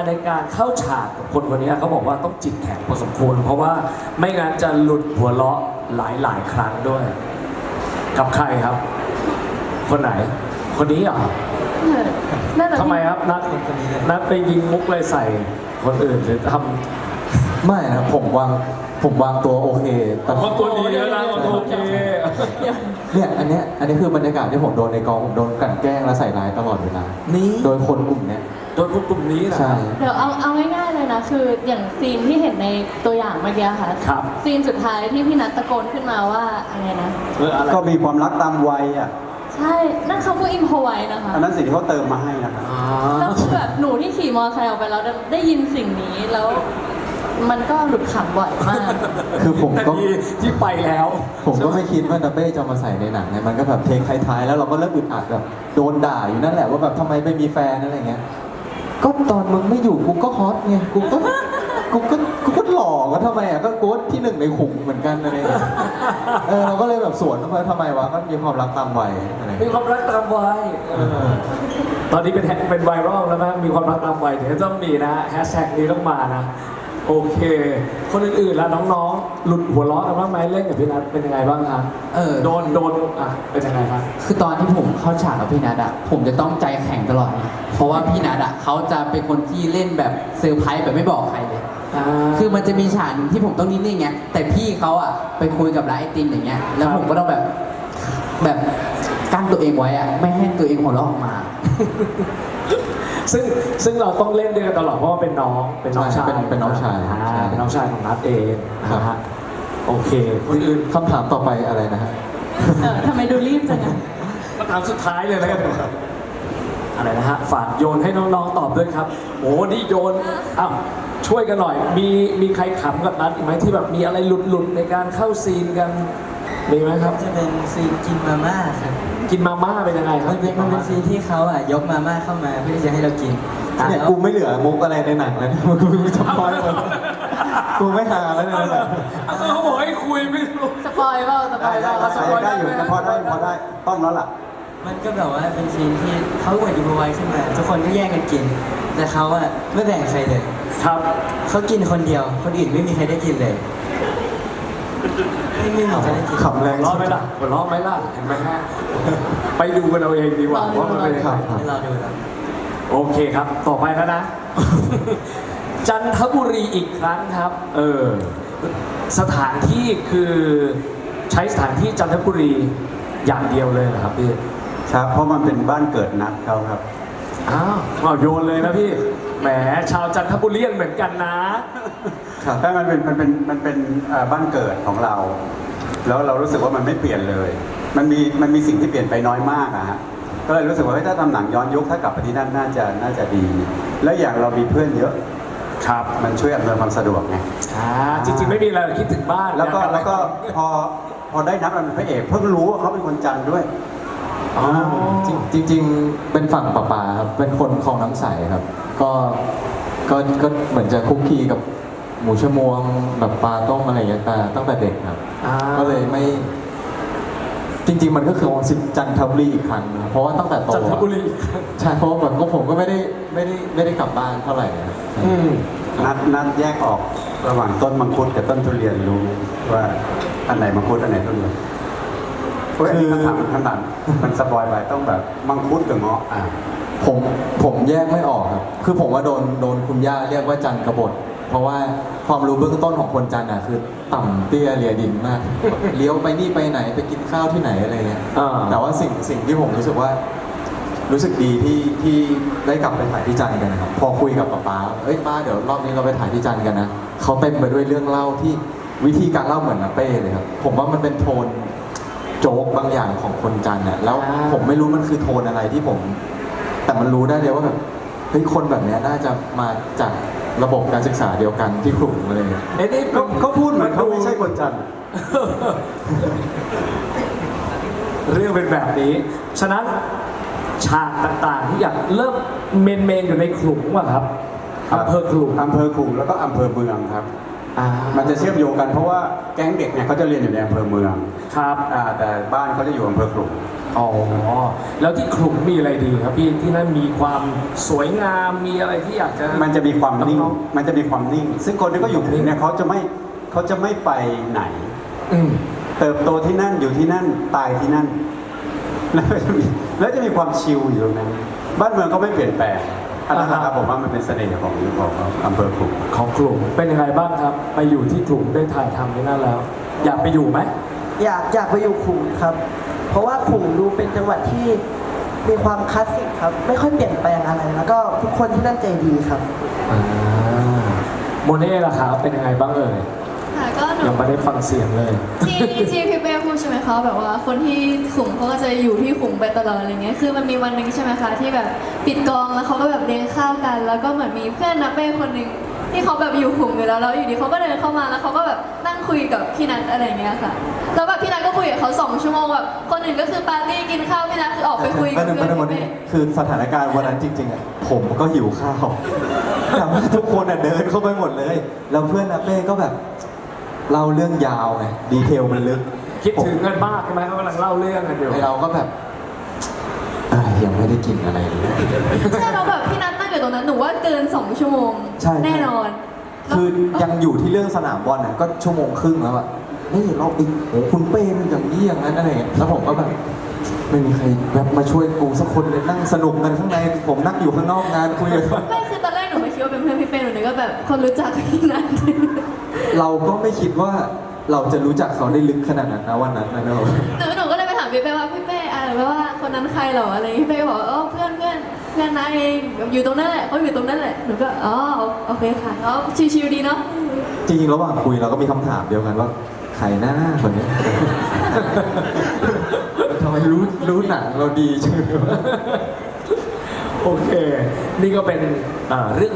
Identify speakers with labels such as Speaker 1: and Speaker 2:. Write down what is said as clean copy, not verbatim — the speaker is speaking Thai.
Speaker 1: ในการเข้าฉากกับคนคนนี้เขาบอกว่าต้องจิตแข็งพอสมควรเพราะว่าไม่งั้นจะหลุดหัวเราะหลายครั้งด้วย กับใครครับ คนไหน คนนี้เหรอ
Speaker 2: น่าจะ
Speaker 1: ทำไมครับนัดไปยิงมุกเลยใส่คนอื่นหรือท
Speaker 3: ไม่นะผมวางตัวโอเคแต่
Speaker 1: ำคนตัวนี้แล้วนะคนโอเค
Speaker 3: เนี่ยอันนี้คือบรรยากาศที่ผมโดนในกองผมโดนกลั่นแกล้งและใส่ร้ายตลอดเวลา
Speaker 1: นี่
Speaker 3: โดยคนกลุ่มเนี้ย
Speaker 1: โดยคนกลุ่มนี้นะ
Speaker 3: ใช่
Speaker 2: เดี๋ยวเอาง่ายๆเลยนะคืออย่างซีนที่เห็นในตัวอย่างเมื่อกี้ค่ะ
Speaker 1: ครับ
Speaker 2: ซีนสุดท้ายที่พี่นัทตะโกนขึ้นมาว่าอะไรนะ
Speaker 1: อะไร
Speaker 4: ก็มีความรักตามวัยอ่ะ
Speaker 2: ใช่นั่นเขาก็อิมพอไว้นะคะ
Speaker 4: อันนั้นสิ่งที่เขาเติมมาให้นะครับ
Speaker 1: อ๋อ
Speaker 2: แล้วคือแบบหนูที่ขี่มอเตอร์ไซค์ออกไปแล้วได้ยินสิ่งนี้แล้วมันก็หลุดขำบ่อยมาก
Speaker 3: คือผม
Speaker 1: แต่
Speaker 3: ก็
Speaker 1: ที่ไปแล้ว
Speaker 3: ผมก็ไม่คิดว่าดับเบ้จะมาใส่ในหนังไงมันก็แบบเทคท้ายๆแล้วเราก็เริ่มอึดอัดแบบโดนด่าอยู่นั่นแหละว่าแบบทำไมไม่มีแฟนอะไรเงี้ยก็ตอนมึงไม่อยู่กูก็ฮอตไงกูก็หล่อก็ทำไมอ่ะก็กูที่หนึ่งในขุมเหมือนกันอะไรเงี้ยเราก็เลยแบบสวนเข้าไปทำไมวะก็มีความรักตามวัยอะไร
Speaker 1: มี
Speaker 3: เงี้ย
Speaker 1: ความรักตามวัยตอนนี้เป็นไวรัลแล้วมั้งมีความรักตามวัยเดี๋ยวต้องมีนะแฮชแท็กนี้ต้องมานะ โอเค คนอื่นๆแล้วน้องๆ หลุดหัวเราะกันบ้างไหมเล่นกับพี่นัทเป็นยังไงบ้างครับโดนอ่ะเป็นยังไงครับ
Speaker 5: คือตอนที่ผมเข้าฉากกับพี่นัทอะผมจะต้องใจแข็งตลอดนะเพราะว่าพี่นัทอะเขาจะเป็นคนที่เล่นแบบเซอร์ไพรส์แบบไม่บอกใครเลย คือมันจะมีฉากหนึ่งที่ผมต้องนิ่งๆไงแต่พี่เขาอะไปคุยกับร้านไอติมอย่างเงี้ยแล้วผมก็ต้องแบบกั้นตัวเองไว้อะไม่ให้ตัวเองหัวเราะออกมา
Speaker 1: ซึ่งเราต้องเล่นด้วยกันตลอดเพราะว่าเป็นน้องชาย
Speaker 3: เป็นน้องชาย
Speaker 1: เป็นน้องชายของนัทเองนะฮะโอเคคนอื่น
Speaker 3: คำถามต่อไปอะไรนะฮะ
Speaker 2: ทำไมดูรีบจังอะ
Speaker 1: คำถามสุดท้ายเลยแล้วกันอะไรนะฮะฝากโยนให้น้องๆตอบด้วยครับโอ้นี่โยนอ้าวช่วยกันหน่อยมีใครขำกับนัทอีกไหมที่แบบมีอะไรหลุดๆในการเข้าซีนกันมีไหมครับ
Speaker 6: จะเป็นซีนกินมาม่าครับ
Speaker 1: กินมาม่าเป็นยังไงครับ
Speaker 6: มันเป็นซีนที่เขายกมาม่าเข้ามาเพื่อที่จะให้เรากิน
Speaker 3: เนี่ยกูไม่เหลือมุกอะไรในหนังแล้วนะกูจะพอยหมดกูไม่หาแล้วเนี่ย
Speaker 1: เขาบอกให้คุยไม่รู้
Speaker 2: สปอยเปล่าสป
Speaker 4: ได้
Speaker 2: อยเป
Speaker 4: ได้
Speaker 2: ล่า
Speaker 4: ได้อยู่นะพอได้ต้องแล้วล่ะ
Speaker 6: มันก็แบบว่าเป็นซีนที่เขาอวดอิมพอไว้ขึ้นมาทุกคนก็แย่งกันกิน แต่เขาไม่แบ่งใครเลย
Speaker 1: ครับ
Speaker 6: เขากินคนเดียว คนอื่นไม่มีใครได้กินเลยไม่มีใครได้กิน
Speaker 3: ขำแรง
Speaker 1: ร้องไหมล่ะหัวเราะไหมล่ะเห็นไหมฮะไปดูกันเอาเองดีกว่าว่ามันเป็นยังไง
Speaker 6: ให้เราดูแล้ว
Speaker 1: โอเคครับ ต่อไปแล้วนะ จันทบุรีอีกครั้งครับ สถานที่คือใช้สถานที่จันทบุรีอย่างเดียวเลยเหรอครับพี่
Speaker 4: ครับ เพราะมันเป็นบ้านเกิดนัดเขาครับ
Speaker 1: อ้าวโยนเลยนะพี่ แหมชาวจันทบุรีเหมือนกันนะ
Speaker 4: ใช่มันเป็นบ้านเกิดของเรา แล้วเรารู้สึกว่ามันไม่เปลี่ยนเลย มันมีสิ่งที่เปลี่ยนไปน้อยมากอะฮะ ก็เลยรู้สึกว่าเฮ้ยถ้าทำหนังย้อนยุคถ้ากลับไปที่นั่นน่าจะดี และอย่างเรามีเพื่อนเยอะ
Speaker 1: ครับ
Speaker 4: มันช่วยอำนวยความสะดวกไง
Speaker 1: จริงๆไม่มีอะไรคิดถึงบ้าน
Speaker 4: แล้วก็
Speaker 1: อยา
Speaker 4: แล้วก็พอได้นัดมันเป็นพระเอกเพิ่งรู้ว่าเขาเป็นคนจันทร์ด้วย
Speaker 1: อ๋อ
Speaker 3: จริงๆเป็นฝั่งป่าปาครับเป็นคนคลองน้ำใสครับ ก็เหมือนจะคุกคีกับหมูชะมวงแบบปลาต้มอะไรอย่างเงี้ยแต่ตั้งแต่เด็กครับ ก็เลยไม่ จริง ๆ มันก็คือวันจันทบุรีอีกครั้งนะเพราะว่าตั้งแต่โต
Speaker 1: จันทบุรี
Speaker 3: ใช่เพราะว่าแบบก็ผมก็ไม่ได้กลับบ้านเท่าไหร่ครับ
Speaker 4: นัดแยกออกระหว่างต้นมังคุดกับต้นทุเรียนรู้ว่าอันไหนมังคุดอันไหนทุเรียนอันนี้คำถามมันสปอยไปต้องแบบมังคุดกับเงาะ
Speaker 3: ผมแยกไม่ออกครับ คือผมว่าโดนคุณย่าเรียกว่าจันกบฏ เพราะว่าความรู้เบื้องต้นของคนจันอ่ะคือต่ำเตี้ยเลียดินมากเลี้ยวไปนี่ไปไหนไปกินข้าวที่ไหนอะไรเงี้ย แต่ว่าสิ่งที่ผมรู้สึกว่า รู้สึกดีที่ได้กลับไปถ่ายที่จันทร์กันนะครับ พอคุยกับป๊าเอ้ยป้าเดี๋ยวรอบนี้เราไปถ่ายที่จันทร์กันนะเขาเต็มไปด้วยเรื่องเล่าที่วิธีการเล่าเหมือนอาเป้เลยครับ ผมว่ามันเป็นโทนโจ๊กบางอย่างของคนจันทร์น่ะแล้วผมไม่รู้มันคือโทนอะไรที่ผม แต่มันรู้ได้เลยว่าแบบเฮ้ยคนแบบเนี้ยน่าจะมาจากระบบการศึกษาเดียวกันที่กลุ่มอะไรเงี้ย
Speaker 1: นี่
Speaker 4: เขาพูดเหมือนเขาไม่ใช่คนจันทร์
Speaker 1: เรื่องเป็นแบบนี้ ฉะนั้นฉากต่างๆที่อยากเริ่มเมนอยู่ในขลุมว่ะครับอำเภอขลุม
Speaker 4: อำเภอขลุงแล้วก็อำเภอเมืองครับ มันจะเชื่อมโยงกันเพราะว่าแก๊งเด็กเนี่ยเขาจะเรียนอยู่ในอำเภอเมือง
Speaker 1: ครับ
Speaker 4: แต่บ้านเขาจะอยู่อำเภอขลุง
Speaker 1: อ๋อ แล้วที่ขลุงมีอะไรดีครับพี่ที่นั่นมีความสวยงามมีอะไรที่อยากจะ
Speaker 4: มันจะมีความนิ่ง
Speaker 1: น้อง
Speaker 4: มันจะมีความนิ่ง ซึ่งคนที่เขาอยู่เนี่ยเขาจะไม่ไปไหน
Speaker 1: อืม
Speaker 4: เติบโตที่นั่นอยู่ที่นั่นตายที่นั่น แล้วจะมีความชิลอยู่ตรงนั้น บ้านเมืองก็ไม่เปลี่ยนแปลงอันนั้นนะครับผมว่ามันเป็นเสน่ห์ของอำเภอขลุง
Speaker 1: ของขลุงเป็นยังไงบ้างครับ ไปอยู่ที่ขลุงได้ถ่ายทำที่นั่นแล้ว อยากไปอยู่ไหม
Speaker 7: อยากไปอยู่ขลุงครับ เพราะว่าขลุงดูเป็นจังหวัดที่มีความคลาสสิกครับ ไม่ค่อยเปลี่ยนแปลงอะไร แล้วก็ทุกคนที่นั่นใจดีครับ
Speaker 1: อ่าโมเน่ล่ะครับเป็นยังไงบ้างเอ่ย
Speaker 2: ค่ะก็หนู
Speaker 1: ยังไม่ได้ฟังเสียงเลย
Speaker 2: ที่พี่เป้พูดใช่ไหมคะแบบว่าคนที่ขุมเขาก็จะอยู่ที่ขุมไปตลอดอะไรเงี้ยคือมันมีวันหนึ่งใช่ไหมคะที่แบบปิดกองแล้วเขาก็แบบเลี้ยงข้าวกัน แล้วก็เหมือนมีเพื่อนนักเป้คนหนึ่งที่เขาแบบอยู่ขุมอยู่แล้วอยู่ดีเขาก็เดินเข้ามาแล้วเขาก็แบบนั่งคุยกับพี่นัทอะไรเงี้ยค่ะแล้วแบบพี่นัทก็คุยกับเขา2 ชั่วโมงแบบคนอื่นก็คือปาร์ตี้กินข้าวพี่นัทคือออกไปคุยกับเพื่อนพี่เป้
Speaker 3: คือสถานการณ์วันนั้นจริงๆอ่ะผมก็หิวข้าวแต่ว่าทุกคนอ่ะเดินเข้าไปหมดเลยแล้วเพื่อนนักเป้ก็แบบเล่าเรื่องยาวไงดีเทลมันลึก
Speaker 1: คิดถึงกันมากใช่ไหมเขากำลังเล่าเรื่องกันอยู่
Speaker 3: ไอเราก็แบบยังไม่ได้กินอะไรเลย
Speaker 2: ใช่เราแบบพี่นัทนั่งอยู่ตรงนั้นหนูว่าเกิน2 ชั่วโมง
Speaker 3: ใช่
Speaker 2: แน่นอน
Speaker 3: คือยังอยู่ที่เรื่องสนามบอลน่ะก็ชั่วโมงครึ่งแล้วอะนี่เราอีกโอ้คุณเป้มันอย่างนี้อย่างนั้นอะไรอย่างเงี้ยแล้วผมก็แบบไม่มีใครแบบมาช่วยกูสักคนเลยนั่งสนุกกันข้างในผมนั่งอยู่ข้างนอกงานคุยกัน
Speaker 2: ไม่คือตอนแรกหนูไม่คิดว่าเป็นเพื่อนพี่เป้หนูนึกว่าแบบคนรู้จักพี่นัท
Speaker 3: เราก็ไม่คิดว่าเราจะรู้จักเขาได้ลึกขนาดนั้นนะวันนั้นนะเนอะ
Speaker 2: หนูก็เลยไปถามพี่เป้ว่าพี่เป้ว่าคนนั้นใครเหรออะไรพี่เป้ก็บอกว่าเพื่อนนายเองอยู่ตรงนั้นแหละเขาอยู่ตรงนั้นแหละหนูก็อ๋อโอเคค่ะอ๋อชิวๆดีเนาะ
Speaker 3: จริงๆระหว่างคุยเราก็มีคำถามเดียวกันว่าใครหน้าคนนี้ ทำไมรู้หนังเราดีจัง
Speaker 1: โอเค นี่ก็เป็นเรื่อง